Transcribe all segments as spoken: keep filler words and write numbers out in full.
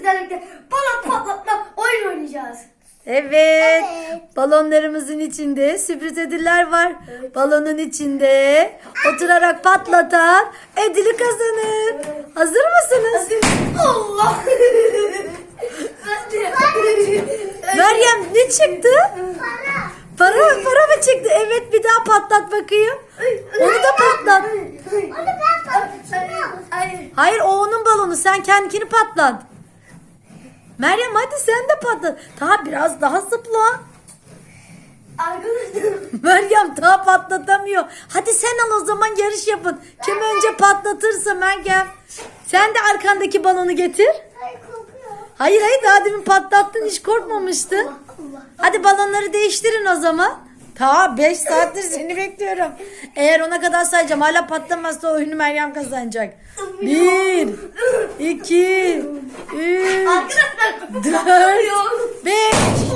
sizlerle birlikte balon patlatma oyun oynayacağız. Evet. Evet. Balonlarımızın içinde sürpriz ödüller var. Evet. Balonun içinde oturarak patlatan ödülü kazanır. Hazır mısınız? Allah. Hadi. Meryem ne çıktı? Para. Para para mı çıktı? Evet, bir daha patlat bakayım. Onu da patlat. Onu ben patlatacağım. Hayır. Hayır, o onun balonu. Sen kendini patlat. Meryem hadi sen de patlat. Daha biraz daha zıpla. Arkadaşlar. Meryem daha patlatamıyor. Hadi sen al o zaman, yarış yapın. Kim önce patlatırsa Meryem. Sen de arkandaki balonu getir. Ay kokuyor. Hayır hayır, daha demin patlattın, hiç korkmamıştın. Allah. Hadi balonları değiştirin o zaman. Ta beş saattir seni bekliyorum. Eğer ona kadar sayacağım, hala patlamazsa oyunu Meryem kazanacak. Bir, iki, üç, Arkadaşlar. dört, beş.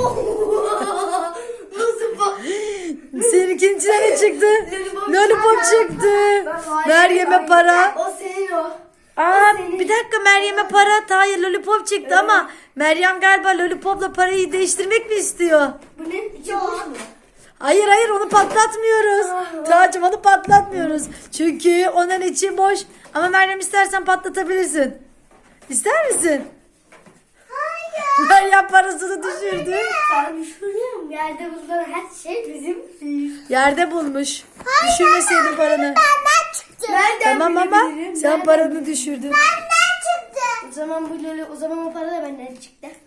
Nasıl bak? Seninkinin içine ne çıktı? Lollipop Lollipop çıktı. Meryem'e para. O senin o. Aa, bir dakika, Meryem'e para. Hayır, lollipop çıktı ama Meryem galiba lollipopla parayı değiştirmek mi istiyor? Bu ne? İçi boş mu? Hayır hayır, onu patlatmıyoruz. Tacım, onu patlatmıyoruz. Çünkü onun içi boş. Ama Meryem, istersen patlatabilirsin. İster misin? Hayır. Meryem parasını düşürdü. Sen düşünüyorum. Yerde bulunan her şey bizim. Yerde bulmuş. Düşürmeseydin paranı. Benden çıktı. Nereden Tamam ama bilebilirim? sen Nereden- paranı düşürdün. Benden çıktı. O zaman bu loli, o zaman o para da benden çıktı.